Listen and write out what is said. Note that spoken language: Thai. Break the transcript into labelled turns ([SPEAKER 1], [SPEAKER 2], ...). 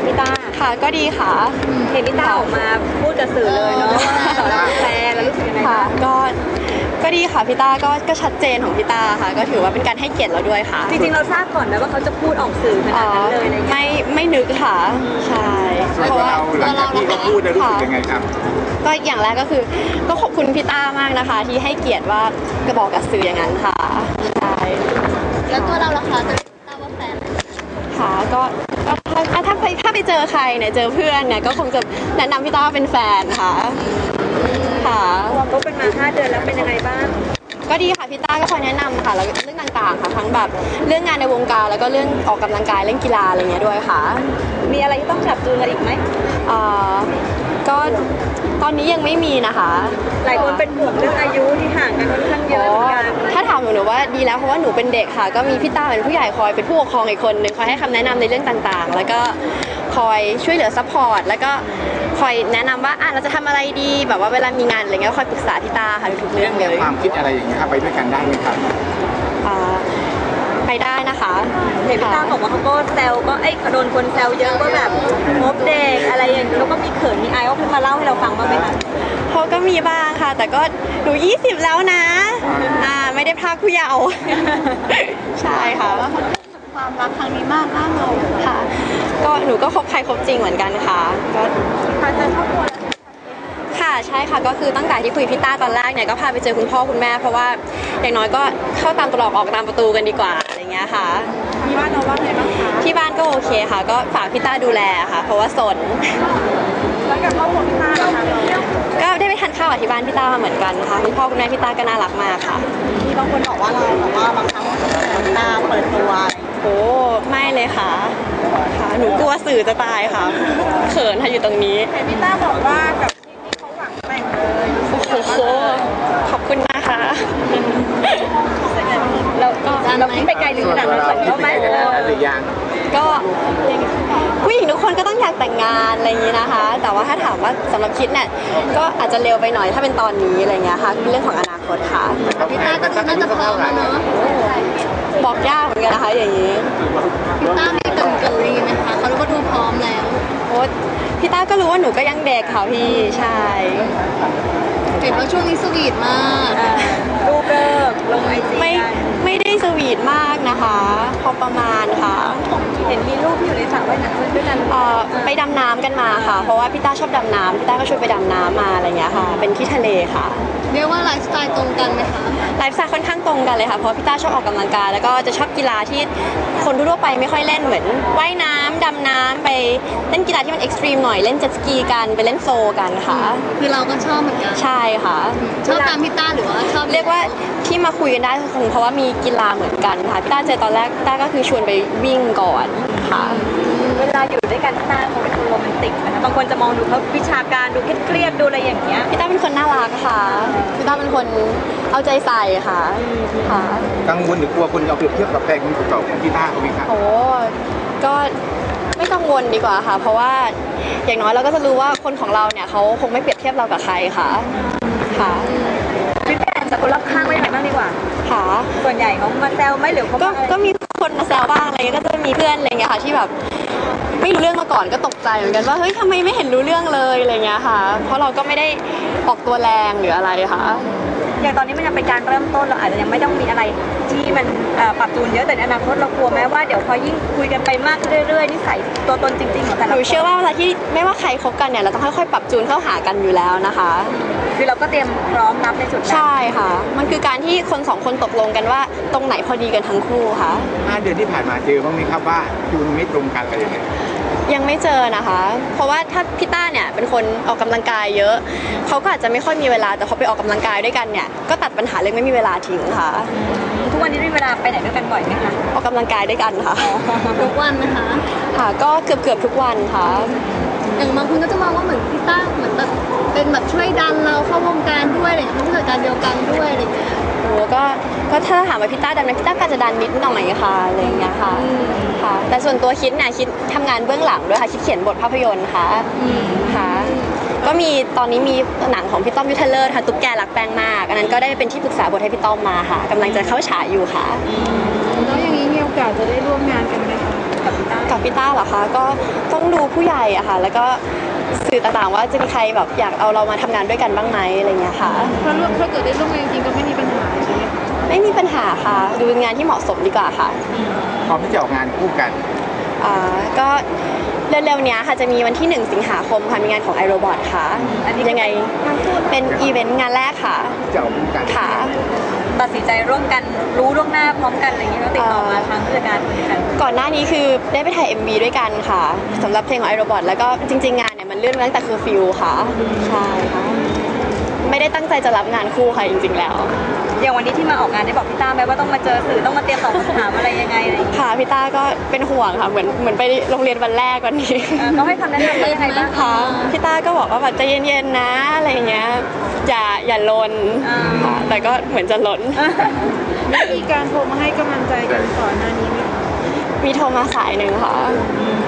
[SPEAKER 1] พี่ต้า
[SPEAKER 2] ค่ะก็ดีค่ะ
[SPEAKER 1] เห็นพี่ต้าออกมาพูดกับสื่อเลยเนาะว่าต่อรับแฟนแล้วรู้สึกยังไง
[SPEAKER 2] ค่ะ
[SPEAKER 1] บ้าง
[SPEAKER 2] ก็ดีค่ะพี่ต้าก็ชัดเจนของพี่ต้าค่ะก็ถือว่าเป็นการให้เกียรติเราด้วยค่ะ
[SPEAKER 1] จริงๆเราทราบก่อนนะว่าเขาจะพูดออกสื่อขนาดนั้นเลยอะไรเงี้ย
[SPEAKER 2] ไม่นึกค่ะใช่
[SPEAKER 3] เพราะว่าหลังจากที่เขาพูดได้รู้สึกยังไงครับ
[SPEAKER 2] ก็อย่างแรกก็คือก็ขอบคุณพี่ต้ามากนะคะที่ให้เกียรติว่ากระบอกกับสื่ออย่างนั้นค่ะใช่
[SPEAKER 4] แล้วตัวเราล่ะคะจะทราบว่าแฟน
[SPEAKER 2] ค่ะก็ถ้าไปเจอใครเนี่ยเจอเพื่อนเนี่ยก็คงจะแนะนำพี่ต้าว่าเป็นแฟนค่ะค่ะ
[SPEAKER 1] เขาเป็นมา5 เดือนแล้วเป็นยังไงบ้าง
[SPEAKER 2] ก็ดีค่ะพี่ต้าก็คอยแนะนำค่ะแล้วเรื่องต่างๆค่ะทั้งแบบเรื่องงานในวงการแล้วก็เรื่องออกกำลังกายเรื่องกีฬาอะไรเงี้ยด้วยค่ะ
[SPEAKER 1] มีอะไรที่ต้องปรับจูนกันอีกไหม
[SPEAKER 2] ก็ตอนนี้ยังไม่มีนะคะ
[SPEAKER 1] หลายคนเป็นห่วงเรื่องอายุที่ห่างกันค่อนข้างเยอะเหมือนกัน
[SPEAKER 2] ถ้าถามหนูว่าดีแล้วเพราะว่าหนูเป็นเด็กค่ะก็มีพี่ต้าเป็นผู้ใหญ่คอยเป็นผู้ปกครองอีกคนนึงคอยให้คำแนะนำในเรื่องต่างๆแล้วก็คอยช่วยเหลือซัพพอร์ตแล้วก็คอยแนะนำว่าเราจะทำอะไรดีแบบว่าเวลามีงานอะไรเงี้ยคอยปรึกษาพี่ต้าค่ะทุกเรื่องเลย
[SPEAKER 3] ความคิดอะไรอย่างเงี้ยครับไปด้วยกันได้ไหมครับ
[SPEAKER 2] ไปได้นะคะ
[SPEAKER 1] เห็นพี่ต้าบอกว่าเขาก็แซวก็โดนคนแซวเยอะก็แบบงบเด็กอะไรอย่างนี้แล้วก็มีเขินมีอายเขาขึ้นมาเล่าให้เราฟังบ้างไหมคะ
[SPEAKER 2] เขาก็มีบ้างค่ะแต่ก็หนู20แล้วนะไม่ได้พรากผู้เยาว์ใช่ค่ะ
[SPEAKER 4] ความรักครั้งนี้มากเรา
[SPEAKER 2] ค่ะก็หนูก็คบใครคบจริงเหมือนกันค่ะก็
[SPEAKER 1] พาเจอครอบครัว
[SPEAKER 2] ค่ะใช่ค่ะก็คือตั้งแต่ที่คุยพี่ต้าตอนแรกเนี่ยก็พาไปเจอคุณพ่อคุณแม่เพราะว่าอย่างน้อยก็เข้าตามตรอกออกตามประตูกันดีกว่าอะไรเงี้ยค่ะ
[SPEAKER 1] ที่บ้านเราว่าไงบ้างคะ
[SPEAKER 2] ที่บ้านก็โอเคค่ะก็ฝากพี่ต้าดูแลค่ะเพราะว่าสน
[SPEAKER 1] แล้วกับครอบครัวพี่ต้าล่ะคะ
[SPEAKER 2] ก็ได้ไปทานข้าวกับที่บ้านพี่ต้าเหมือนกันค่ะคุณพ่อคุณแม่พี่ต้าก็น่ารักมากค่ะ
[SPEAKER 4] มีบางคนบอกว่าเราแบบว่าบางครั้งพี่ต้าเปิดตัว
[SPEAKER 2] โอ้ไม่เลยค่ะค่ะหนูกลัวสื่อจะตายค่ะเขินค่ะอยู่ตรงนี้
[SPEAKER 1] เห็นพี่ต้าบอกว่ากับที่เขาหวังแต่งเลย
[SPEAKER 2] โอ้โหขอบคุณนะคะ
[SPEAKER 1] เราคิดไปไกลถึงขนาดนั้นเขาไหม
[SPEAKER 3] หรือยัง
[SPEAKER 2] ก็ผู้หญิงทุกคนก็ต้องอยากแต่งงานอะไรอย่างนี้นะคะแต่ว่าถ้าถามว่าสำหรับคิดเนี่ยก็อาจจะเร็วไปหน่อยถ้าเป็นตอนนี้อะไรเงี้ยค่ะเรื่องของอนาคตค่ะ
[SPEAKER 4] พี่ต้าก็น่าจะพร้อมแล้วเนาะ
[SPEAKER 2] บอกยากเหมือนกันนะคะอย่างนี้
[SPEAKER 4] พี่ต้ามีเกินไหมคะเขารู้ว่าดูพร้อมแล้ว
[SPEAKER 2] โอ้พี่ต้าก็รู้ว่าหนูก็ยังเด็กค่ะพี่ใช่
[SPEAKER 4] เห็นว่าช่วงนี้สวีทมาก
[SPEAKER 1] รูปเลิกลงไอจี
[SPEAKER 2] ไม่ได้สวีทมากนะคะพอประมาณค่ะ
[SPEAKER 1] เห็นมีรูปที่อยู่ในสระว่ายน้ำด้วยกัน
[SPEAKER 2] ไปดำน้ำกันมาค่ะเพราะว่าพี่ต้าชอบดำน้ำพี่ต้าก็ชวนไปดำน้ำมาอะไรเงี้ยค่ะเป็นที่ทะเลค่ะ
[SPEAKER 4] เรียกว่าไลฟ์สไตล์ตรงกันไหมคะ
[SPEAKER 2] ไลฟ์สไตล์ค่อนข้างตรงกันเลยค่ะเพราะพี่ต้าชอบออกกำลังกายแล้วก็จะชอบกีฬาที่คนทั่วไปไม่ค่อยเล่นเหมือนว่ายน้ำดำน้ำไปเล่นกีฬาที่มันเอ็กซ์ตรีมหน่อยเล่นเจ็ตสกีกันไปเล่นโฟกันค่ะ
[SPEAKER 4] คือเราก็ชอบเหมือนกัน
[SPEAKER 2] ใช่ค่ะ
[SPEAKER 4] ชอบตามพี่ต้าหรือว่าชอบ
[SPEAKER 2] เรียกว่าที่มาคุยกันได้คงเพราะว่ามีกีฬาเหมือนกันค่ะพี่ต้าเจอตอนแรกพี่ต้าก็คือชวนไปวิ่งก่อนค่ะ
[SPEAKER 1] เวลาอยู่ด้วยกันพี่ต้าเขาเป็นคนโรแมนติกนะคะบางคนจะมองดูเขาวิชาการดูเครียดดูอะไรอย่างเงี้ย
[SPEAKER 2] พี่ต้าเป็นคนน่ารักค่ะพี่ต้าเป็นคนเอาใจใส่ค่ะค่ะ
[SPEAKER 3] กังวลหรือกลัวคนเอาเปรียบเทียบกับแฟนคนเก่าของพี่ต้าเขาไหมครับ
[SPEAKER 2] โอ้ก็ไม่กังวลดีกว่าค่ะเพราะว่าอย่างน้อยเราก็จะรู้ว่าคนของเราเนี่ยเขาคงไม่เปรียบเทียบเรากับใครค่ะค่ะ
[SPEAKER 1] พี่แฟนจากคนรอบข้างไม่ไหนบ้างดีกว่า
[SPEAKER 2] ค่ะ
[SPEAKER 1] ส่วนใหญ่เขามาแซวไหมหรือเขา
[SPEAKER 2] ก็มีคนมาแซวบ้างอะไรก็จะมีเพื่อนอะไรเงี้ยค่ะที่แบบไม่รู้เรื่องมาก่อนก็ตกใจเหมือนกันว่าเฮ้ยทำไมไม่เห็นรู้เรื่องเลยอะไรเงี้ยค่ะเพราะเราก็ไม่ได้ออกตัวแรงหรืออะไรค่ะ
[SPEAKER 1] อย่างตอนนี้มันยังเป็นการเริ่มต้นเราอาจจะยังไม่ต้องมีอะไรที่มันปรับจูนเยอะแต่ในอนาคตเรากลัวไหมว่าเดี๋ยวพอยิ่งคุยกันไปมากขึ้นเรื่อยๆนิสัยตัวตนจริงๆของแต่ละคน
[SPEAKER 2] หนูเชื่อว่าเวลาที่ไม่ว่าใครคบกันเนี่ยเราต้องค่อยๆปรับจูนเข้าหากันอยู่แล้วนะคะ
[SPEAKER 1] คือเราก็เตรียมพร้อมรับในจุดนั้น
[SPEAKER 2] ใช่ค่ะมันคือการที่คนสองคนตกลงกันว่าตรงไหนพอดีกันทั้งคู่ค่ะ
[SPEAKER 3] 5 เดือนที่ผ่านมาเจอบ้างไหมครับว่าจูนไม่ตรงกันอะไรอย่างเงี้ย
[SPEAKER 2] ยังไม่เจอนะคะเพราะว่าถ้าพี่ต้าเนี่ยเป็นคนออกกำลังกายเยอะเขาก็อาจจะไม่ค่อยมีเวลาแต่พอไปออกกำลังกายด้วยกันเนี่ยก็ตัดปัญหาเรื่องไม่มีเวลาทิ้งค่ะ
[SPEAKER 1] ทุกวันนี้มีเวลาไปไหนด้วยกันบ่อยไหมคะ
[SPEAKER 2] ออกกำลังกายด้วยกันค่ะ
[SPEAKER 4] ทุกวันนะคะ
[SPEAKER 2] ค่ะก็เกือบทุกวันค่ะ
[SPEAKER 4] อย่างบางคนก็จะมองว่าเหมือนพี่ต้าเหมือนแบบเป็นแบบช่วยดันเราเข้าวงการด้วยอะไรอย่างเงี้ยผู้จัดการเดียวกันด้วยอะไรอย่างเงี้ย
[SPEAKER 2] โอ้ก็ถ้าถามว่าพี่ต้าดันไหมพี่ต้าก็จะดันนิดหน่อยค่ะอะไรอย่างเงี้ยค่ะค่ะแต่ส่วนตัวคิดเนี่ยคิดทำงานเบื้องหลังด้วยค่ะคิดเขียนบทภาพยนตร์ค่ะค่ะก็มีตอนนี้มีหนังของพี่ต้อมยุทธเลิศค่ะตุ๊กแกรักแป้งมากอันนั้นก็ได้เป็นที่ปรึกษาบทให้พี่ต้อมมาค่ะกำลังจะเข้าฉายอยู่ค่ะ
[SPEAKER 4] แล้วอย่างนี้มีโอกาสจะได้ร่วมงานกันไหมคะ
[SPEAKER 2] กับพี่ต้าเหรอคะก็ต้องดูผู้ใหญ่อะค่ะ แล้วก็สื่อต่างๆว่าจะมีใครแบบอยากเอาเรามาทำงานด้วยกันบ้างไหมอะไรเงี้ยค่ะ
[SPEAKER 4] ถ้าเกิดได้ร่วมงานจริงก็ไม่มีปัญหาใช่ไหมคะ
[SPEAKER 2] ไม่มีปัญหาค่ะ ดูงานที่เหมาะสมดีกว่าค่ะ
[SPEAKER 3] พร้อมที่จะออกงานคู่กัน
[SPEAKER 2] ก็เร็วๆเนี้ยค่ะจะมีวันที่ 1 สิงหาคมค่ะมีงานของ iRobot ค่ะ
[SPEAKER 1] อันนี้
[SPEAKER 2] ยังไงเป็นอีเวนต์งานแรกค่ะ
[SPEAKER 3] จะออกคู่กัน
[SPEAKER 2] ค่ะ
[SPEAKER 1] ตัดสินใจร่วมกันรู้ล่วงหน้าพร้อมกันอะไรอย่างเงี้ยก็ติดต่อมาทางผู้จัดการเหมือนกัน
[SPEAKER 2] ก่อนหน้านี้คือได้ไปถ่าย MV ด้วยกันค่ะสำหรับเพลงของ iRobot แล้วก็จริงๆงานเนี่ยมันเลื่อนมาตั้งแต่คือฟิลค่ะใช่ค่ะไม่ได้ตั้งใจจะรับงานคู่ค่ะจริงๆแล้ว
[SPEAKER 1] อย่างวันนี้ที่มาออกงานได้บอกพี่ต้าไหมว่าต้องมาเจอสื่อต้องมาเตรียมตอบคำถามอะไรยังไงอะไรอย่างเงี้ย
[SPEAKER 2] ค่ะพี่ต้าก็เป็นห่วงค่ะเหมือนไปโรงเรียนวันแรกวันนี้
[SPEAKER 1] เขาให้คำแนะนำว่ายังไงบ้าง
[SPEAKER 2] ค่ะพี่ต้าก็บอกว่าแบบใจเย็นๆนะอะไรเงี้ยอย่าลนค่ะแต่ก็เหมือนจะลน
[SPEAKER 4] มีการโทรมาให้กำลังใจกันก่อนหน้านี้ไหมคะ
[SPEAKER 2] มีโทรมาสายหนึ่งค่ะ